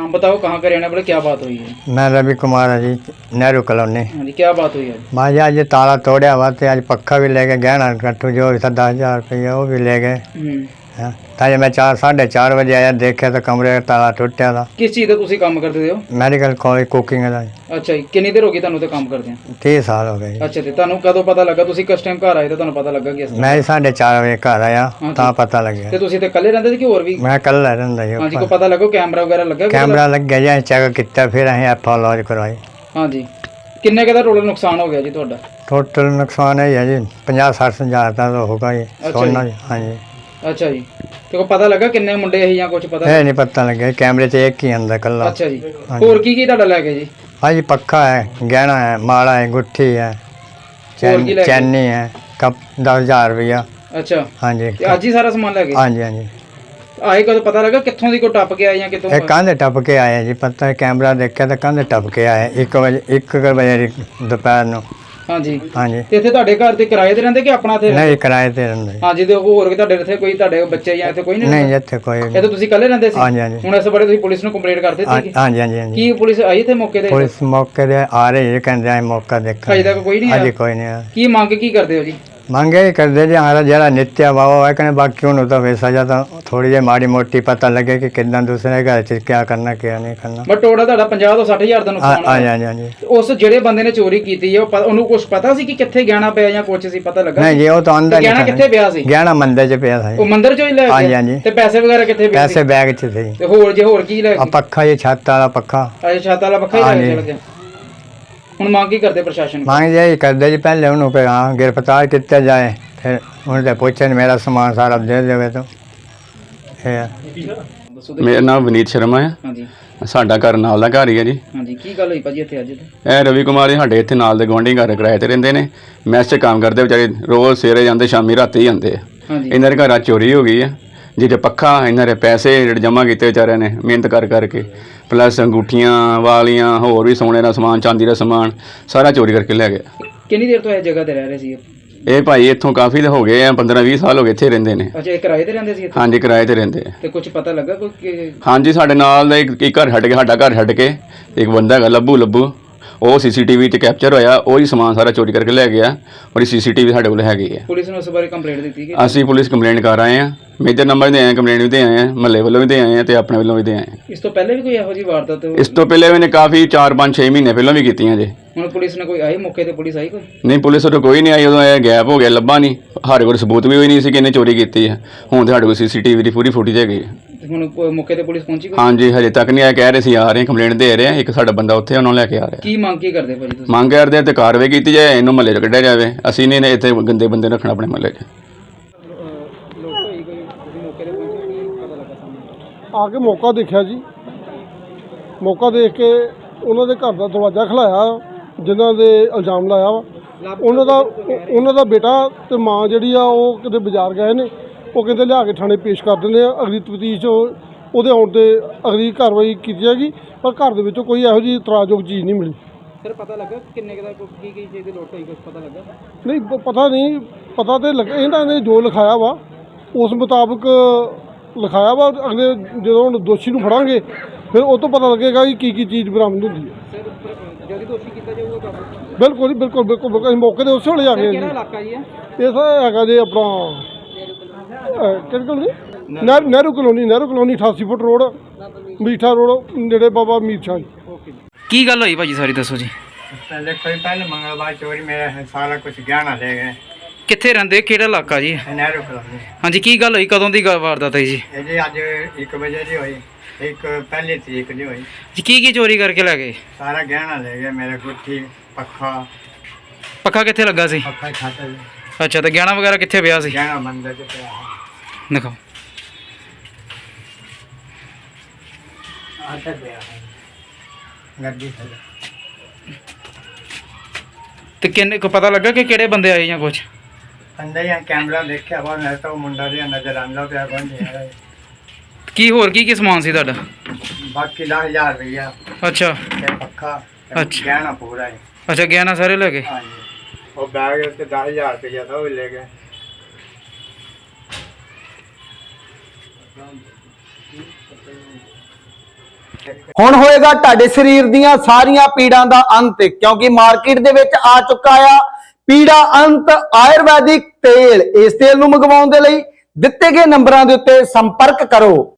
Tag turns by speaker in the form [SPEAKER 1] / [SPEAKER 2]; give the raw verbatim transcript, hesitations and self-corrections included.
[SPEAKER 1] हाँ बताओ कहाँ का रहने वाले, क्या बात हुई है?
[SPEAKER 2] मैं रवि कुमार है जी, नेहरू कॉलोनी।
[SPEAKER 1] हाँ जी, क्या बात हुई है?
[SPEAKER 2] मैं जी आज ताला तोड़िया हुआ तो आज पक्खा भी ले गए, गहना कट्टू जो भी था दस हज़ार रुपये वो भी ले गए। हाँ ताजे मैं चार साढ़े चार बजे आया, देखे तो कमरे का ताला टुटिया था।
[SPEAKER 1] किस चीज़ का तुसी काम करते हो?
[SPEAKER 2] मैडिकल कॉलेज कुकिंग का।
[SPEAKER 1] अच्छा जी, कितनी देर हो गई ਤੁਹਾਨੂੰ ਤੇ ਕੰਮ ਕਰਦੇ ਆ?
[SPEAKER 2] तीस साल हो गए।
[SPEAKER 1] अच्छा ਤੇ ਤੁਹਾਨੂੰ ਕਦੋਂ ਪਤਾ ਲੱਗਾ? ਤੁਸੀਂ ਕਿਸ ਟਾਈਮ ਘਰ ਆਏ ਤੇ ਤੁਹਾਨੂੰ ਪਤਾ ਲੱਗਾ ਕਿ ਇਸ
[SPEAKER 2] मैं साढ़े चार बजे घर आया ਤਾਂ पता लग गया।
[SPEAKER 1] ਤੇ ਤੁਸੀਂ ਤੇ ਇਕੱਲੇ ਰਹਿੰਦੇ ਸੀ ਕਿ ਹੋਰ ਵੀ?
[SPEAKER 2] मैं कल रहता जी।
[SPEAKER 1] ਹਾਂਜੀ, ਕੋਈ ਪਤਾ ਲੱਗਾ ਕੈਮਰਾ ਵਗੈਰਾ ਲੱਗਾ?
[SPEAKER 2] कैमरा लग गया जी, चेक किया फिर अं एफ ओ लॉज करवाई।
[SPEAKER 1] ਹਾਂਜੀ, ਕਿੰਨੇ ਕੁ ਦਾ ਟੋਟਲ ਨੁਕਸਾਨ ਹੋ ਗਿਆ ਜੀ ਤੁਹਾਡਾ?
[SPEAKER 2] टोटल नुकसान है जी पचास सठ हज़ार का तो होगा जी सोना। हाँ जी।
[SPEAKER 1] अच्छा जी, ਤੇ ਕੋ ਪਤਾ ਲੱਗਾ ਕਿੰਨੇ ਮੁੰਡੇ ਸੀ ਜਾਂ ਕੁਝ ਪਤਾ?
[SPEAKER 2] है नहीं पता लगे, कैमरे से एक ही अंदर कल।
[SPEAKER 1] अच्छा जी, ਹੋਰ ਕੀ ਕੀ ਤੁਹਾਡਾ ਲੈ ਗਏ ਜੀ?
[SPEAKER 2] हाँ जी पक्का है, गहना है, माला है, गुट्ठी है, चैन चैनी है, कप दस हज़ार रुपया।
[SPEAKER 1] अच्छा
[SPEAKER 2] हाँ जी।
[SPEAKER 1] ਅੱਜ ਹੀ ਸਾਰਾ ਸਮਾਨ ਲੈ ਗਏ?
[SPEAKER 2] हाँ जी हाँ जी।
[SPEAKER 1] ਆਏ ਕਦੋਂ ਪਤਾ ਲੱਗਾ ਕਿੱਥੋਂ ਦੀ ਕੋ ਟੱਪ ਕੇ ਆਏ ਜਾਂ ਕਿਤੋਂ?
[SPEAKER 2] एक कंध टप के आए जी, पता है कैमरा देखा तो कंध टप के आए एक बजे एक बजे दोपहर को।
[SPEAKER 1] ਹਾਂਜੀ
[SPEAKER 2] हाँ जी।
[SPEAKER 1] ਤੇ ਇੱਥੇ ਤੁਹਾਡੇ ਘਰ ਤੇ ਕਿਰਾਏ ਤੇ ਰਹਿੰਦੇ ਕਿ ਆਪਣਾ ਇੱਥੇ?
[SPEAKER 2] नहीं किराए ते रहंदे।
[SPEAKER 1] ਹਾਂਜੀ, ਤੇ ਹੋਰ ਵੀ ਤੁਹਾਡੇ ਇੱਥੇ ਕੋਈ ਤੁਹਾਡੇ ਬੱਚੇ ਜਾਂ ਇੱਥੇ ਕੋਈ ਨਹੀਂ?
[SPEAKER 2] नहीं इत्थे कोई।
[SPEAKER 1] ਇਹ ਤਾਂ ਤੁਸੀਂ ਇਕੱਲੇ ਰਹਿੰਦੇ ਸੀ?
[SPEAKER 2] हाँ जी हाँ जी।
[SPEAKER 1] ਹੁਣ ਇਸ ਬਾਰੇ ਤੁਸੀਂ ਪੁਲਿਸ ਨੂੰ ਕੰਪਲੇਂਟ ਕਰ ਦਿੱਤੀ?
[SPEAKER 2] हाँ जी हाँ जी हाँ जी।
[SPEAKER 1] ਕੀ ਪੁਲਿਸ ਆਈ ਇੱਥੇ ਮੌਕੇ ਤੇ?
[SPEAKER 2] पुलिस मौके दे आ रही है, कहते हैं मौका देखा।
[SPEAKER 1] ਅਜੇ तक ਕੋਈ ਨਹੀਂ
[SPEAKER 2] हाँ
[SPEAKER 1] ਆਇਆ?
[SPEAKER 2] जी कोई नहीं आया।
[SPEAKER 1] ਕੀ ਮੰਗ ਕੀ ਕਰਦੇ ਹੋ ਜੀ?
[SPEAKER 2] ਮੰਗੇ ਹੀ ਕਰਦੇ ਜੀ ਹਮਾਰਾ ਜਿਹੜਾ ਨਿੱਤਿਆ ਵਾਵਾ ਹੈ ਕਹਿੰਦੇ, ਬਾਕੀ ਉਹਨੂੰ ਤਾਂ ਵੈਸਾ ਜਾਂ ਤਾਂ ਥੋੜੀ ਜਿਹੀ ਮਾੜੀ ਮੋਟੀ ਪਤਾ ਲੱਗੇ ਕਿ ਕਿੱਦਾਂ ਦੂਸਰੇ ਘਰ 'ਚ ਕੀ ਕਰਨਾ ਕੀ ਨਹੀਂ ਕਰਨਾ।
[SPEAKER 1] ਬਟ ਟੋਟਲ ਤੁਹਾਡਾ ਪੰਜਾਹ ਤੋਂ ਸੱਠ ਹਜ਼ਾਰ ਦਾ ਨੁਕਸਾਨ
[SPEAKER 2] ਹਾਂ
[SPEAKER 1] ਹੋਇਆ?
[SPEAKER 2] ਹਾਂ ਹਾਂ ਜੀ।
[SPEAKER 1] ਉਸ ਜਿਹੜੇ ਬੰਦੇ ਨੇ ਚੋਰੀ ਕੀਤੀ ਹੈ ਉਹ ਪ- ਉਹਨੂੰ ਕੁਝ ਪਤਾ ਸੀ ਕਿ ਕਿੱਥੇ ਗਹਿਣਾ ਪਿਆ ਜਾਂ ਕੁਝ ਸੀ ਪਤਾ ਲੱਗਾ?
[SPEAKER 2] ਨਹੀਂ ਜੀ ਉਹ ਤਾਂ ਅੰਦਰ
[SPEAKER 1] ਗਹਿਣਾ ਕਿੱਥੇ ਪਿਆ ਸੀ?
[SPEAKER 2] ਗਹਿਣਾ ਮੰਦਰ 'ਚ ਪਿਆ ਸੀ।
[SPEAKER 1] ਉਹ ਮੰਦਿਰ ਚੋਂ ਹੀ ਲੈ
[SPEAKER 2] ਹਾਂਜੀ,
[SPEAKER 1] ਗਿਆ?
[SPEAKER 2] ਹਾਂਜੀ।
[SPEAKER 1] ਤੇ ਪੈਸੇ ਵਗੈਰਾ ਕਿੱਥੇ ਪਏ ਸੀ?
[SPEAKER 2] ਪੈਸੇ ਬੈਗ 'ਚ ਸੀ।
[SPEAKER 1] ਤੇ ਹੋਰ ਜੇ ਹੋਰ ਕੀ ਲੈ
[SPEAKER 2] ਆ
[SPEAKER 1] ਗਏ?
[SPEAKER 2] ਪੱਖਾ ਜੀ, ਛੱਤ ਵਾਲਾ ਪੱਖਾ।
[SPEAKER 1] ਅਜੇ ਛੱਤ ਵਾਲਾ ਪੱਖਾ ਹੀ ਲੈ ਕੇ ਚਲ ਗਿਆ। ਹੁਣ ਮੰਗ ਕੀ ਕਰਦੇ ਪ੍ਰਸ਼ਾਸਨ ਕੋਲ?
[SPEAKER 2] ਮੰਗ ਜੀ ਕਰਦੇ ਜੀ ਪਹਿਲੇ ਉਹਨੂੰ ਕਿ ਹਾਂ ਗ੍ਰਿਫਤਾਰ ਕੀਤਾ ਜਾਏ, ਫਿਰ ਉਹਨੇ ਤੇ ਪੁੱਛਣ ਮੇਰਾ ਸਮਾਨ ਸਾਰਾ ਦੇ ਦੇਵੇ ਤਾਂ ਇਹ।
[SPEAKER 1] ਦੱਸੋ ਤੇ-
[SPEAKER 3] ਮੇਰਾ ਨਾਮ ਵਿਨੀਤ ਸ਼ਰਮਾ ਹੈ।
[SPEAKER 1] ਹਾਂਜੀ
[SPEAKER 3] ਸਾਡਾ ਘਰ ਨਾਲ ਦਾ ਘਰ ਹੀ ਹੈ ਜੀ।
[SPEAKER 1] ਹਾਂਜੀ, ਕੀ ਗੱਲ ਹੋਈ ਭਾਜੀ ਇੱਥੇ ਅੱਜ?
[SPEAKER 3] ਇਹ ਰਵੀ ਕੁਮਾਰ ਜੀ ਸਾਡੇ ਇੱਥੇ ਨਾਲ ਦੇ ਗੁਆਂਢੀ ਘਰ ਕਿਰਾਏ ਤੇ ਰਹਿੰਦੇ ਨੇ। ਮੈਸ 'ਚ ਕੰਮ ਕਰਦੇ ਵਿਚਾਰੇ, ਰੋਜ਼ ਸਵੇਰੇ ਜਾਂਦੇ ਸ਼ਾਮੀ ਰਾਤੀ ਜਾਂਦੇ ਆ।
[SPEAKER 1] ਹਾਂਜੀ
[SPEAKER 3] ਇਹਨਾਂ ਦੇ ਘਰਾਂ ਚੋਰੀ ਹੋ ਗਈ ਹੈ, ਜਿਹਦੇ ਪੱਖਾ ਇਹਨਾਂ ਦੇ ਪੈਸੇ ਜਿਹੜੇ ਜਮ੍ਹਾਂ ਕੀਤੇ ਵਿਚਾਰਿਆਂ ਨੇ ਮਿਹਨਤ ਕਰ ਕਰਕੇ, ਪਲੱਸ ਅੰਗੂਠੀਆਂ ਵਾਲੀਆਂ ਹੋਰ ਵੀ ਸੋਨੇ ਦਾ ਸਮਾਨ, ਚਾਂਦੀ ਦਾ ਸਮਾਨ ਸਾਰਾ ਚੋਰੀ ਕਰਕੇ ਲੈ ਗਿਆ।
[SPEAKER 1] ਕਿੰਨੀ ਦੇਰ ਤੋਂ ਇਹ ਜਗ੍ਹਾ ਤੇ ਰਹਿ ਰਹੇ ਸੀ?
[SPEAKER 3] ਇਹ ਭਾਈ ਇੱਥੋਂ ਕਾਫੀ ਹੋ ਗਏ ਆ, ਪੰਦਰਾਂ ਵੀਹ ਸਾਲ ਹੋ ਗਏ ਇੱਥੇ ਰਹਿੰਦੇ ਨੇ।
[SPEAKER 1] ਅੱਛਾ, ਇਹ ਕਿਰਾਏ ਤੇ ਰਹਿੰਦੇ ਸੀ ਇੱਥੇ?
[SPEAKER 3] ਹਾਂਜੀ ਕਿਰਾਏ ਤੇ ਰਹਿੰਦੇ ਆ।
[SPEAKER 1] ਤੇ ਕੁਝ ਪਤਾ ਲੱਗਾ ਕੋਈ ਕਿ-
[SPEAKER 3] ਹਾਂਜੀ ਸਾਡੇ ਨਾਲ ਦਾ ਇੱਕ ਇੱਕ ਘਰ ਛੱਡ ਕੇ, ਸਾਡਾ ਘਰ ਛੱਡ ਕੇ ਇੱਕ ਬੰਦਾ ਹੈਗਾ ਲੱਭੂ ਲੱਭੂ, ਉਹ ਸੀਸੀਟੀਵੀ 'ਚ ਕੈਪਚਰ ਹੋਇਆ, ਉਹ ਹੀ ਸਮਾਨ ਸਾਰਾ ਚੋਰੀ ਕਰਕੇ ਲੈ ਗਿਆ। ਔਰ ਸੀਸੀਟੀਵੀ ਸਾਡੇ ਕੋਲ ਹੈਗੀ ਹੈ।
[SPEAKER 1] ਪੁਲਿਸ ਨੂੰ ਇਸ ਬਾਰੇ ਕੰਪਲੇਂਟ ਦਿੱਤੀ ਕਿ?
[SPEAKER 3] ਅਸੀਂ ਪੁਲਿਸ ਕੰਪਲੇਂਟ ਕਰ ਆਏ ਹਾਂ, ਮੇਜਰ ਨੰਬਰ ਦੇ ਆਏ, ਕੰਪਲੇਂਟ ਵੀ ਦੇ ਆਏ ਹਾਂ, ਮਹੱਲੇ ਵੱਲੋਂ ਵੀ ਦੇ ਆਏ ਹਾਂ ਤੇ ਆਪਣੇ ਵੱਲੋਂ ਵੀ ਦੇ ਆਏ ਹਾਂ।
[SPEAKER 1] ਇਸ ਤੋਂ ਪਹਿਲੇ ਵੀ ਕੋਈ ਇਹੋ ਜਿਹੀ ਵਾਰਦਾਤ?
[SPEAKER 3] ਇਸ ਤੋਂ ਪਹਿਲੇ ਵੀ ਨੇ ਕਾਫੀ ਚਾਰ ਪੰਜ ਛੇ ਮਹੀਨੇ ਪਹਿਲਾਂ ਵੀ ਕੀਤੀਆਂ ਜੇ।
[SPEAKER 1] ਹੁਣ ਪੁਲਿਸ ਨੇ ਕੋਈ ਆਈ ਮੌਕੇ ਤੇ? ਪੁਲਿਸ ਆਈ ਕੋਈ?
[SPEAKER 3] ਨਹੀਂ ਪੁਲਿਸ ਉਦੋਂ ਕੋਈ ਨਹੀਂ ਆਈ, ਉਦੋਂ ਇਹ ਗੈਪ ਹੋ ਗਿਆ, ਲੱਭਾ ਨਹੀਂ। ਸਾਡੇ ਕੋਲ ਸਬੂਤ ਵੀ ਹੋਈ ਨਹੀਂ ਸੀ ਕਿ ਇਹਨੇ ਚੋਰੀ ਕੀਤੀ ਹੈ। ਹੁਣ ਤੇ ਸਾਡੇ ਕੋਲ ਸੀਸੀਟੀਵੀ ਦੀ ਪੂਰੀ ਫੁਟੇਜ ਹੈਗੀ ਹੈ।
[SPEAKER 1] ਤੇ ਹੁਣ ਕੋਈ ਮੌਕੇ ਤੇ ਪੁਲਿਸ ਪਹੁੰਚੀ ਕੋਈ?
[SPEAKER 3] ਹਾਂਜੀ ਹਜੇ ਤੱਕ ਨਹੀਂ ਆਇਆ, ਕਹਿ ਰਹੇ ਸੀ ਆ ਰਹੇ, ਕੰਪਲੇਂਟ ਦੇ ਰਹੇ ਆ। ਇੱਕ ਸਾਡਾ ਬੰਦਾ ਉੱਥੇ ਉਹਨਾਂ ਨੂੰ ਲੈ ਕੇ ਆ ਰਿਹਾ।
[SPEAKER 1] ਕੀ ਮੰਗ ਕੀ ਕਰਦੇ ਭਾਜੀ ਤੁਸੀਂ?
[SPEAKER 3] ਮੰਗ ਕਰਦੇ ਆ ਤੇ ਕਾਰਵਾਈ ਕੀਤੀ ਜਾਏ, ਇਹਨੂੰ ਮਹੱਲੇ 'ਚ ਕੱਢਿਆ ਜਾਵੇ। ਅਸੀਂ ਨਹੀਂ ਇੱਥੇ ਗੰਦੇ ਬੰਦੇ ਰੱਖਣਾ ਆਪਣੇ ਮਹੱਲੇ 'ਚ।
[SPEAKER 4] ਆ ਕੇ ਮੌਕਾ ਦੇਖਿਆ ਜੀ, ਮੌਕਾ ਦੇਖ ਕੇ ਉਹਨਾਂ ਦੇ ਘਰ ਦਾ ਦਰਵਾਜ਼ਾ ਖਲਾਇਆ, ਜਿਨ੍ਹਾਂ ਦੇ ਇਲਜ਼ਾਮ ਲਾਇਆ ਵਾ ਉਹਨਾਂ ਦਾ ਉਹਨਾਂ ਦਾ ਬੇਟਾ ਤੇ ਮਾਂ ਜਿਹੜੀ ਆ ਉਹ ਕਿਤੇ ਬਾਜ਼ਾਰ ਗਏ ਨੇ। ਉਹ ਕਹਿੰਦੇ ਲਿਆ ਕੇ ਥਾਣੇ ਪੇਸ਼ ਕਰ ਦਿੰਦੇ ਆ, ਅਗਲੀ ਤਫਤੀਸ਼ ਉਹਦੇ ਆਉਣ 'ਤੇ ਅਗਲੀ ਕਾਰਵਾਈ ਕੀਤੀ ਜਾਏਗੀ। ਪਰ ਘਰ ਦੇ ਵਿੱਚੋਂ ਕੋਈ ਇਹੋ ਜਿਹੀ ਇਤਰਾਜ਼ਯੋਗ ਚੀਜ਼ ਨਹੀਂ ਮਿਲੀ।
[SPEAKER 1] ਸਰ ਪਤਾ ਲੱਗਾ ਕਿੰਨੇ ਕੁ ਦਾ ਕੀ ਕੀ ਚੀਜ਼ ਦੀ ਲੋਟ ਹੋਈ, ਕੁਝ ਪਤਾ ਲੱਗਾ?
[SPEAKER 4] ਨਹੀਂ ਪ- ਪਤਾ ਨਹੀਂ, ਪਤਾ ਤੇ ਲੱਗ ਇਹਨਾਂ ਨੇ ਜੋ ਲਿਖਾਇਆ ਵਾ ਉਸ ਮੁਤਾਬਕ ਲਿਖਾਇਆ ਵਾ। ਅਗਲੇ ਜਦੋਂ ਹੁਣ ਦੋਸ਼ੀ ਨੂੰ ਫੜਾਂਗੇ ਫਿਰ ਉਹ ਤੋਂ ਪਤਾ ਲੱਗੇਗਾ ਕਿ ਕੀ ਕੀ ਚੀਜ਼ ਬਰਾਮਦ ਹੁੰਦੀ ਹੈ।
[SPEAKER 1] ਸਰ ਜਦੋਂ ਦੋਸ਼ੀ ਕੀਤਾ ਜਾਊਗਾ ਕਾਬੂ?
[SPEAKER 4] ਬਿਲਕੁਲ ਜੀ, ਬਿਲਕੁਲ ਬਿਲਕੁਲ ਬਿਲਕੁਲ। ਅਸੀਂ ਮੌਕੇ ਦੇ ਉਸੇ ਵੇਲੇ ਆ ਗਏ
[SPEAKER 1] ਕਿਹੜਾ
[SPEAKER 4] ਜੀ।
[SPEAKER 1] ਇਲਾਕਾ ਜੀ ਹੈ
[SPEAKER 4] ਇਹ ਸਰ ਹੈਗਾ ਜੀ ਆਪਣਾ ਅਹ, ਕਿਹੜੀ ਕਲੋਨੀ? ਨਹਿ- ਨਹਿਰੂ ਕਲੋਨੀ, ਨਹਿਰੂ ਕਲੋਨੀ ਅਠਾਸੀ ਫੁੱਟ ਰੋਡ, ਮੀਠਾ ਰੋਡ, ਨੇੜੇ ਬਾਬਾ ਮੀਰ ਸ਼ਾਹ ਜੀ।
[SPEAKER 1] ਓਕੇ ਜੀ। ਕੀ ਗੱਲ ਹੋਈ ਭਾਜੀ ਸਾਰੀ ਦੱਸੋ ਜੀ?
[SPEAKER 2] पहले कोई पहले मंगलवार चोरी मेरा सारा कुछ गहना ले गए।
[SPEAKER 1] ਕਿੱਥੇ ਰਹਿੰਦੇ, ਕਿਹੜਾ ਇਲਾਕਾ ਜੀ?
[SPEAKER 2] नेहरू कॉलोनी।
[SPEAKER 1] ਹਾਂਜੀ, ਕੀ ਗੱਲ ਹੋਈ, ਕਦੋਂ ਦੀ ਗੱਲ ਵਾਰਦਾਤ ਹੈ ਜੀ?
[SPEAKER 2] ये जी अज एक बजे की हुई, एक पहली तरीक की हुई।
[SPEAKER 1] ਜੀ ਕੀ ਕੀ ਚੋਰੀ ਕਰਕੇ ਲੈ ਗਏ?
[SPEAKER 2] सारा गहना ले गए, मेरे गुट्ठी पक्खा।
[SPEAKER 1] ਪੱਖਾ ਕਿੱਥੇ ਲੱਗਾ ਸੀ?
[SPEAKER 2] पक्खा खाता
[SPEAKER 1] ਅੱਛਾ, ਤੇ ਗਹਿਣਾ ਵਗੈਰਾ ਕਿੱਥੇ ਪਿਆ ਸੀ?
[SPEAKER 2] गहना मंदिर च पिया है।
[SPEAKER 1] ਦਿਖਾਓ।
[SPEAKER 2] आटा पिया है गड्डी से।
[SPEAKER 1] ਤੇ ਕਿੰਨੇ ਕੋ ਪਤਾ ਲੱਗਾ ਕਿ ਕਿਹੜੇ ਬੰਦੇ ਆਏ ਜਾਂ ਕੁਝ?
[SPEAKER 2] अंदर ही कैमरा देखा वो नहीं तो मुंडा भी नजर आंदा पिया कौन नहीं है।
[SPEAKER 1] ਕੀ ਹੋਰ ਕੀ ਕੀ ਸਮਾਨ ਸੀ ਤੁਹਾਡਾ?
[SPEAKER 2] बाकी दस हजार रुपया
[SPEAKER 1] ਅੱਛਾ
[SPEAKER 2] ते पक्खा ते
[SPEAKER 1] अच्छा।
[SPEAKER 2] गहना पूरा है।
[SPEAKER 1] ਅੱਛਾ, ਗਹਿਣਾ ਸਾਰੇ ਲੈ ਗਏ?
[SPEAKER 2] हाँ जी, वो बैग ते दस हजार रुपया था वो ले गए।
[SPEAKER 5] ਹੁਣ ਹੋਏਗਾ ਤੁਹਾਡੇ ਸਰੀਰ ਦੀਆਂ ਸਾਰੀਆਂ ਪੀੜਾਂ ਦਾ ਅੰਤ, ਕਿਉਂਕਿ ਮਾਰਕੀਟ ਦੇ ਵਿੱਚ ਆ ਚੁੱਕਾ ਆ ਪੀੜਾ ਅੰਤ ਆਯੁਰਵੈਦਿਕ ਤੇਲ। ਇਸ ਤੇਲ ਨੂੰ ਮੰਗਵਾਉਣ ਦੇ ਲਈ ਦਿੱਤੇ ਗਏ ਨੰਬਰਾਂ ਦੇ ਉੱਤੇ ਸੰਪਰਕ ਕਰੋ।